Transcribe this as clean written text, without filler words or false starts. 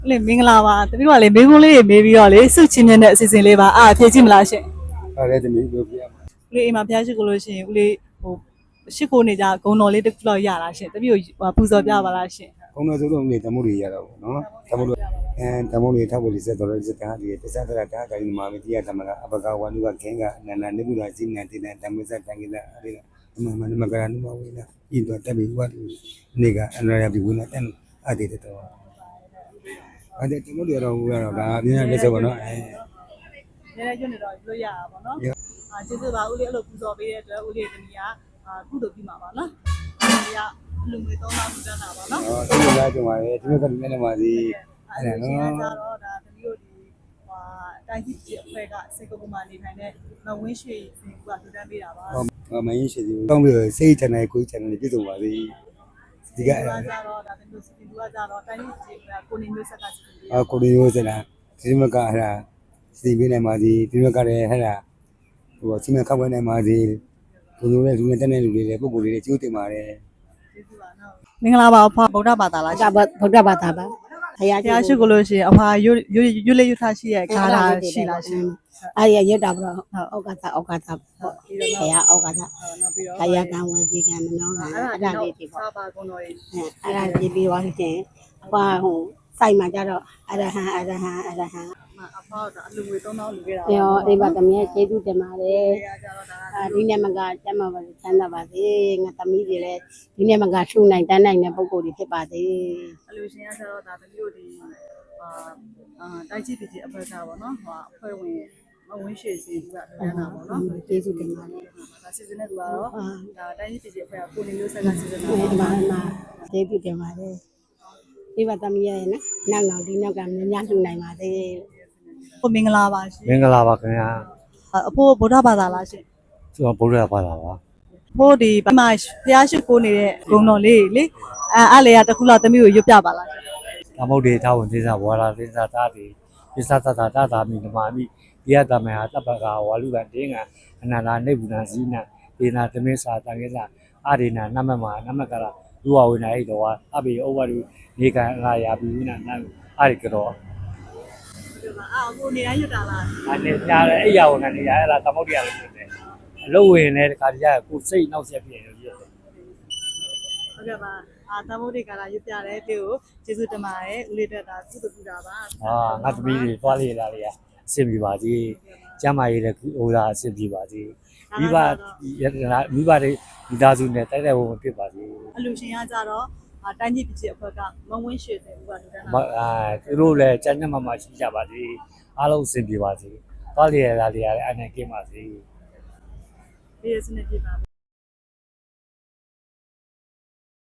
လေမင်္ဂလာပါတပည့်ကလေမေးခွန်းလေးတွေမေးပြီးတော့လေစုချင်းတဲ့အစီအစဉ်လေးပါဖြည့်ကြည့်မလားရှင်ဟုတ်တယ်သမီးပြောပြရမှာဦးလေးအိမ်မှာဖျားရှိကိုလို့ရှင်ဦးလေးဟိုရှစ်ကိုနေကြဂုံတော်လေးတစ်ခုလောက်ရလားရှင်တပည့်ကိုပူဇော်ပြပါလားရှင်ခုံတော်စုလုံးနေတမိုးတွေရတော့ဗောနော်တမိုးတွေတမိုးတွေထောက်ပြီးစက်တော်စက်တာဒီတစ္ဆဒရတာကိုင်းမှာမတရားသမကအပကဝနုကခင်ကအနန္ဒနိဗ္ဗာန်စိနတေနဓမ္မစတံကိလအရိကမကရဏုမဝိနာဤတော့တပိဝတ်နေကအန္တရာပိဝိနာတန်အတေတော်အဲ့ဒီတမိုးတွေတော့ဟိုကတော့ဒါအမြင်ရလက်စဗောနော်နည်းနည်းကျွတ်နေတော့လို့ရတာပေါ့နော်ကျေးဇူးပါဦးလေးအဲ့လိုပူဇော်ပေးတဲ့အတွက်ဦးလေးတမီးကကုသိုလ်ပြုမှာပါနော်ဒီကလူငွေ3000လူတန်းတာပါနော်ဟုတ်တယ်လားကြုံပါလေဒီဘက်ကလည်းနေပါစီအဲ့ဒါနော်တော့ဒါတမီးတို့ဒီတိုင်းကြီးကြီးအဖွဲ့ကစေကုန်းမှာနေထိုင်တဲ့မဝင်းရွှေစင်ကလူတန်းပေးတာပါမင်းရှိသေးဘူးတောင်းပြီးစိတ်ချနိုင်ကိုယ်ချနိုင်ပြည့်စုံပါစေဒီကကြတော့ဒါတမျိုးစီတူကကြတော့တိုင်းကြီးကိုနေမျိုးဆက်ကစီတူကိုရီးယားစလာဒီမကဟလာစီပေးနိုင်ပါစီဒီမကလည်းဟလာဟိုစီမံခန့်ခွဲနိုင်ပါစီဘုံလုံးနဲ့လူနဲ့တက်တဲ့လူတွေလည်းပုံကိုယ်တွေလည်းကျိုးတင်ပါတယ်ကျေးဇူးပါနော်မင်္ဂလာပါအဖဗုဒ္ဓဘာသာလားဗုဒ္ဓဘာသာပါဘုရားဘုရားရှိခိုးလို့ရှိရင်အဖရွလေးရွထားရှိရဲ့ခါလာရှိလားရှင်အဲ့ရရွတ်တာပေါ့ဩကာသပေါ့ဘုရားဩကာသနောက်ပြီးတော့ကာယကံဝစီကံမနောကံအဲ့ဒါလေးတွေပေါ့စာပါကုံတော်ကြီးအဲ့ဒါကြည့်ပြီးသွားရင်ဟိုစိုက်မှာကြတော့အရဟံအဖကအလူငွေ3000လူခဲ့တာရောအိဗသမီးရဲ့ကျေးဇူးတင်ပါတယ်ကြတော့ဒါဒီနေ့မကကျမ်းပါပါချမ်းသာပါစေငါသမီးတွေလည်းဒီနေ့မကရှုနိုင်တန်းနိုင်တဲ့ပုံကိုယ်တွေဖြစ်ပါစေအလူရှင်ကကြတော့ဒါတမျိုးဒီတိုင်းကြီးပြည်ကြီးအဖွဲ့ကပေါ့နော်ဟိုအဖွဲ့ဝင်မဝင်းရွှေစင်ကလူတန်းတာပေါ့နော်ကျေးဇူးတင်ပါတယ်ဒါစီစဉ်တဲ့သူကတော့ဒါတိုင်းကြီးပြည်ကြီးအဖွဲ့ကကိုနေမျိုးဆက်ကစီစဉ်တာဒီမှာကျေးဇူးတင်ပါတယ်ဒီပါသမီးရဲ့နောက်ဒီနောက်ကများလှူနိုင်ပါစေကိုမင်္ဂလာပါရှင်မင်္ဂလာပါခင်ဗျာအဖိုးဗုဒ္ဓဘာသာလားရှင်ကျွန်တော်ဗုဒ္ဓဘာသာပါဖိုးဒီဘမဘုရားရှိခိုးနေတဲ့ဂုံတော်လေးလေအဲ့လေကတခုလောက်သမီးကိုရွတ်ပြပါလားရှင်သမုဒ္ဒေထာဝံသေသဝါရာသေသတာတိပစ္စသတ္တတာမိဓမ္မာမိဒီယတမေဟာတပ္ပကဝါလူကတေငါအနန္တာနိဗ္ဗာန်ဇိနဒေနာသမေသာတံကေသအာရိနာနမမနမကရလူဝဝိနာဣတောဝါအဘိဩဝရုနေကံအာယာပိဝိနာနအာရိကရောကိုနေတိုင်းရွတ်တာလားအနေညာအဲ့ရဝကနေရအဲ့ဒါသမုဒ္ဒေရလို့ဖြစ်တယ်အလုပ်ဝင်တဲ့ခါကျရင်ကိုစိတ်နောက်ဆက်ပြည့်လို့ဖြစ်တယ်ဟုတ်ကဲ့ပါသမုဒ္ဒိကာလာရွတ်ပြတဲ့တေကိုကျေးဇူးတင်ပါတယ်ဦးလေးတက်တာကုသပြုတာပါငါသမီးတွေသွားလေလာလေအဆင်ပြေပါစေကျမ်းမာရေးလည်းဟိုသာအဆင်ပြေပါစေမိဘတွေမိသားစုနဲ့တိုက်တဲ့ဘုံဖြစ်ပါစေအလူရှင်ကကြတော့တိုင်းကြီးပြည်ကြီးအဖွဲ့ကမဝင်းရွှေစင်ကလူတန်းတာသူတို့လည်းကျမ်းကျမ်းမာမာရှိကြပါစေအားလုံးအဆင်ပြေပါစေသွားလေလာလေလည်းအနေကင်းပါစေဒီစနစ်ပြပါ